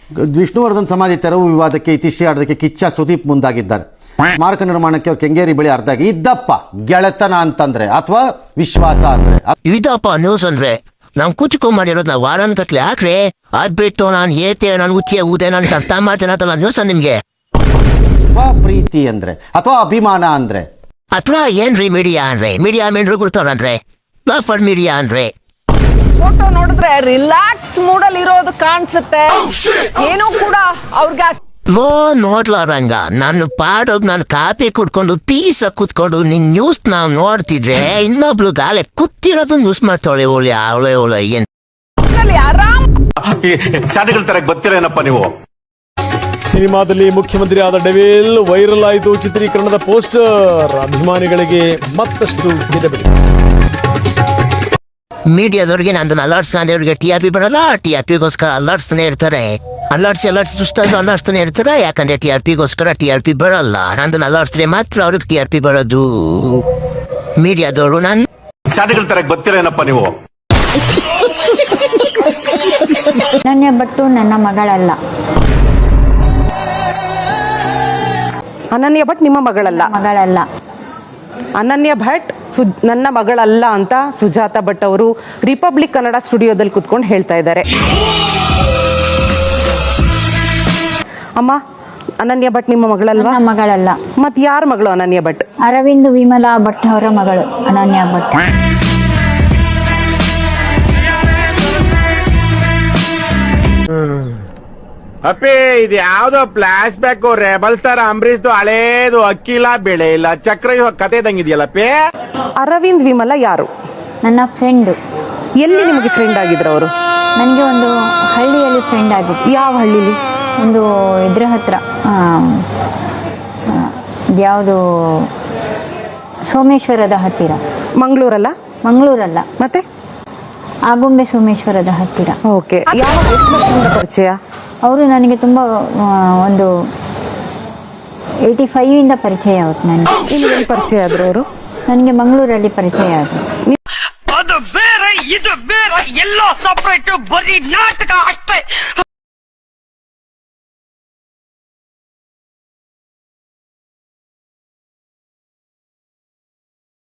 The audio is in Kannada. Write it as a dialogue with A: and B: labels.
A: ವಿಷ್ಣುವರ್ಧನ್ ಸಮಾಧಿ ತೆರವು ವಿವಾದಕ್ಕೆ ಇತಿಶ್ರೀ ಆಡೋದಕ್ಕೆ ಕಿಚ್ಚ ಸುದೀಪ್ ಮುಂದಾಗಿದ್ದಾರೆ. ಸ್ಮಾರಕ ನಿರ್ಮಾಣಕ್ಕೆ ಅವ್ರು ಕೆಂಗೇರಿ ಬಳಿ ಅರ್ಧಾಗಿ ಇದ್ದಪ್ಪ ಗೆಳೆತನ ಅಂತಂದ್ರೆ ಅಥವಾ ವಿಶ್ವಾಸ ಅಂದ್ರೆ
B: ಇದಪ್ಪ ನ್ಯೂಸ್ ಅಂದ್ರೆ ನಾವು ಕುಚ್ಕೊಂಡ್ ನಾವು ವಾರನ್ ಕತ್ಲೆ ಹಾಕ್ರೆ ಅದ್ ಬಿಟ್ಟು ನಾನು ಏತೆ ನಾನು ಉಚ್ಚಿಯ ಊದೆ ನಾನು ಅರ್ಥ ಮಾಡ್ತೇನೆ ನ್ಯೂಸ್ ನಿಮ್ಗೆ.
A: ಅಥವಾ ಪ್ರೀತಿ ಅಂದ್ರೆ ಅಥವಾ ಅಭಿಮಾನ ಅಂದ್ರೆ
B: ಅಥವಾ ಏನ್ರಿ ಮೀಡಿಯಾ ಅಂದ್ರೆ ಮೀಡಿಯಾ ಮೇನ್ರು ಕೊಡ್ತಾರಂದ್ರೆ ಫಾರ್ ಮೀಡಿಯಾ ಅಂದ್ರೆ
C: ಫೋಟೋ ನೋಡಿದ್ರೆ ರಿಲ್ಯಾಕ್ಸ್ ಮೂಡಲ್ಲಿ ಇರೋದು ಕಾಣಿಸುತ್ತೆ. ಏನು ಕೂಡ ಅವ್ರಿಗೆ
B: ನೋಡ್ಲಾರಂಗ ನಾನು ಪಾಡೋಗ್ ನಾನು ಕಾಪಿ ಕುಡ್ಕೊಂಡು ಪೀಸ ಕುತ್ಕೊಂಡು ನಿನ್ ನ್ಯೂಸ್ ನಾವು ನೋಡ್ತಿದ್ರೆ ಇನ್ನೊಬ್ಳು ಗಾಲೆ ಕೂತಿರೋದು ನ್ಯೂಸ್ ಮಾಡ್ತಾಳೆ. ಅವಳೆ ಏನ್
C: ಆರಾಮ್
D: ಶಾಲೆಗಳ ತರ ಗೊತ್ತಿರೇನಪ್ಪ ನೀವು.
E: ಸಿನಿಮಾದಲ್ಲಿ ಮುಖ್ಯಮಂತ್ರಿ ಆದ ಡೆವಿಲ್ ವೈರಲ್ ಆಯಿತು. ಚಿತ್ರೀಕರಣದ ಪೋಸ್ಟರ್ ಅಭಿಮಾನಿಗಳಿಗೆ ಮತ್ತಷ್ಟು ಗೆದ್ದಬಿಡಿ.
B: ಮೀಡಿಯಾದವ್ರಿಗೆ ನಂದು ಅಲರ್ಟ್ಸ್ಕೊಂಡವ್ರಿಗೆ ಟಿ ಆರ್ ಪಿ ಬರಲ್ಲ. ಟಿ ಆರ್ ಪಿಗೋಸ್ಕರ ಅಲರ್ಟ್ಸ್ತಾನೆ ಇರ್ತಾರೆ. ಅಲರ್ಟ್ಸ್ತಾನೆ ಇರ್ತಾರೆ. ಯಾಕಂದ್ರೆ ಟಿ ಆರ್ ಪಿಗೋಸ್ಕರ ಟಿ ಆರ್ ಪಿ ಬರಲ್ಲ. ನಂದು ಅಲರ್ಟ್ಸ್ರೆ ಮಾತ್ರ ಅವ್ರಿಗೆ ಟಿ ಆರ್ ಪಿ ಬರೋದು. ಮೀಡಿಯಾದವರು ನಾನು
D: ಶಾಲೆಗಳ ತರ ಗೊತ್ತಿರೇನಪ್ಪ ನೀವು.
F: ಅನನ್ಯ ಭಟ್ ನನ್ನ ಮಗಳಲ್ಲ.
C: ಅನನ್ಯ ಭಟ್ ನಿಮ್ಮ ಮಗಳಲ್ಲ. ಅನನ್ಯ ಭಟ್ ನನ್ನ ಮಗಳಲ್ಲ ಅಂತ ಸುಜಾತಾ ಭಟ್ ಅವರು ರಿಪಬ್ಲಿಕ್ ಕನ್ನಡ ಸ್ಟುಡಿಯೋದಲ್ಲಿ ಕುತ್ಕೊಂಡು ಹೇಳ್ತಾ ಇದ್ದಾರೆ. ಅಮ್ಮ, ಅನನ್ಯ ಭಟ್ ನಿಮ್ಮ ಮಗಳಲ್ವಾ?
F: ಮಗಳಲ್ಲ.
C: ಮತ್ ಯಾರ ಮಗಳು ಅನನ್ಯ ಭಟ್?
F: ಅರವಿಂದ್ ವಿಮಲಾ ಭಟ್ ಅವರ ಮಗಳು ಅನನ್ಯ ಭಟ್.
G: ಅಪ್ಪಿ ಇದು ಯಾವ್ದೋ ಫ್ಲಾಶ್ ಬ್ಯಾಕ್ ರೆಬಲ್ ತರ ಅಂಬರೀಶ್ದು ಹಳೇದು ಅಕ್ಕಿಲ್ಲ ಬೆಳೆ ಇಲ್ಲ ಚಕ್ರ ಕತೆ ಇದಂಗಿದೆಯಲ್ಲಪ್ಪಿ.
C: ಅರವಿಂದ್ ವಿಮಲಾ ಯಾರು?
F: ನನ್ನ ಫ್ರೆಂಡ್.
C: ಎಲ್ಲಿ ನಿಮಗೆ ಫ್ರೆಂಡ್ ಆಗಿದ್ರು ಅವರು?
F: ನನಗೆ ಒಂದು ಹಳ್ಳಿಯಲ್ಲಿ ಫ್ರೆಂಡ್ ಆಗಿತ್ತು.
C: ಯಾವ ಹಳ್ಳಿಲಿ?
F: ಒಂದು ಇದ್ರ ಹತ್ರ ಯಾವುದು ಸೋಮೇಶ್ವರದ ಹತ್ತಿರ.
C: ಮಂಗಳೂರಲ್ಲ?
F: ಮಂಗಳೂರಲ್ಲ,
C: ಮತ್ತೆ
F: ಆಗುಂಬೆ ಸೋಮೇಶ್ವರದ ಹತ್ತಿರ.
C: ಓಕೆ. ಯಾವ ಎಷ್ಟು ವರ್ಷದಿಂದ ಪರಿಚಯ?
F: ಅವರು ನನಗೆ ತುಂಬ ಒಂದು 85 ಪರಿಚಯ ಆಗುತ್ತೆ. ನನಗೆ
C: ಇಲ್ಲಿ ಪರಿಚಯ ಆದ್ರು ಅವರು?
F: ನನಗೆ ಮಂಗಳೂರಲ್ಲಿ ಪರಿಚಯ ಆದರು.
H: ಅದು ಬೇರೆ ಇದು ಬೇರೆ ಎಲ್ಲ ಸಪರೇಟ್ ಬರೀ ನಾಟಕ ಅಷ್ಟೇ.